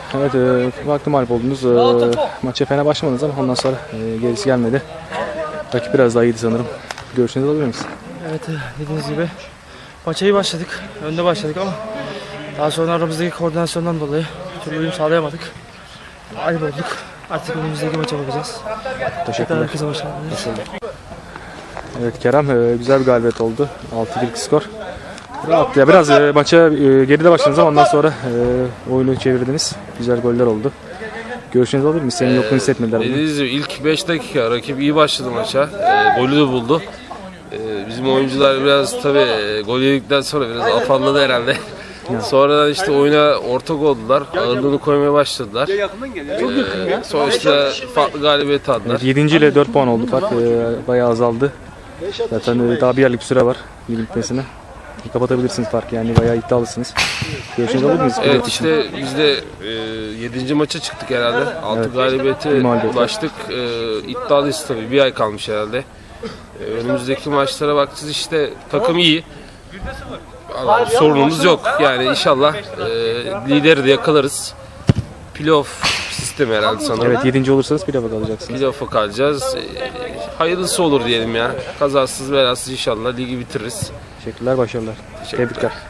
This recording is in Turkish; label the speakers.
Speaker 1: Evet, farklı mağlup oldunuz. Maça fena başlamadınız ama ondan sonra gerisi gelmedi. Rakip biraz daha iyiydi sanırım. Görüşünüzü alabilir miyiz?
Speaker 2: Evet, dediğiniz gibi maça iyi başladık. Önde başladık ama daha sonra aramızdaki koordinasyondan dolayı bir türlü uyum sağlayamadık. Ayıp olduk. Artık önümüzdeki maça bakacağız.
Speaker 1: Teşekkürler.
Speaker 2: Herkese başarılar.
Speaker 1: Evet Kerem, güzel bir galibiyet oldu. 6-1 skor. Rahat ya, biraz maça geride başladınız ama ondan sonra oyunu çevirdiniz. Güzel goller oldu. Görüşünüzü alabilir miyiz? Senin yokluğunu hissetmediler.
Speaker 3: Dediğiniz gibi ilk 5 dakika rakip iyi başladı maça. Golü de buldu. Bizim oyuncular biraz tabii gol yedikten sonra biraz afalladı herhalde. Sonradan işte oyuna ortak oldular. Ağırlığını koymaya başladılar. Sonra işte farklı galibiyet aldılar.
Speaker 1: Evet, 7. ile 4 puan oldu fark. Bayağı azaldı. Zaten daha bir aylık bir süre var ligin bitmesine. Kapatabilirsiniz farkı, yani bayağı iddialısınız. Görüşünüzü alabilir miyiz?
Speaker 3: Evet, işte biz de 7. maça çıktık herhalde. 6
Speaker 1: Evet.
Speaker 3: galibiyete
Speaker 1: Bir mağlubiyet var.
Speaker 3: ulaştık. İddialıyız tabii. Bir ay kalmış herhalde. Önümüzdeki maçlara bakacağız, işte takım iyi. Sorunumuz yok. Yani inşallah lideri de yakalarız. Playoff sistemi herhalde sanırım.
Speaker 1: Evet, 7. olursanız playoff'a kalacaksınız.
Speaker 3: Playoff'a kalacağız. Hayırlısı olur diyelim ya. Kazasız belasız inşallah ligi bitiririz.
Speaker 1: Teşekkürler, başarılar. Tebrikler.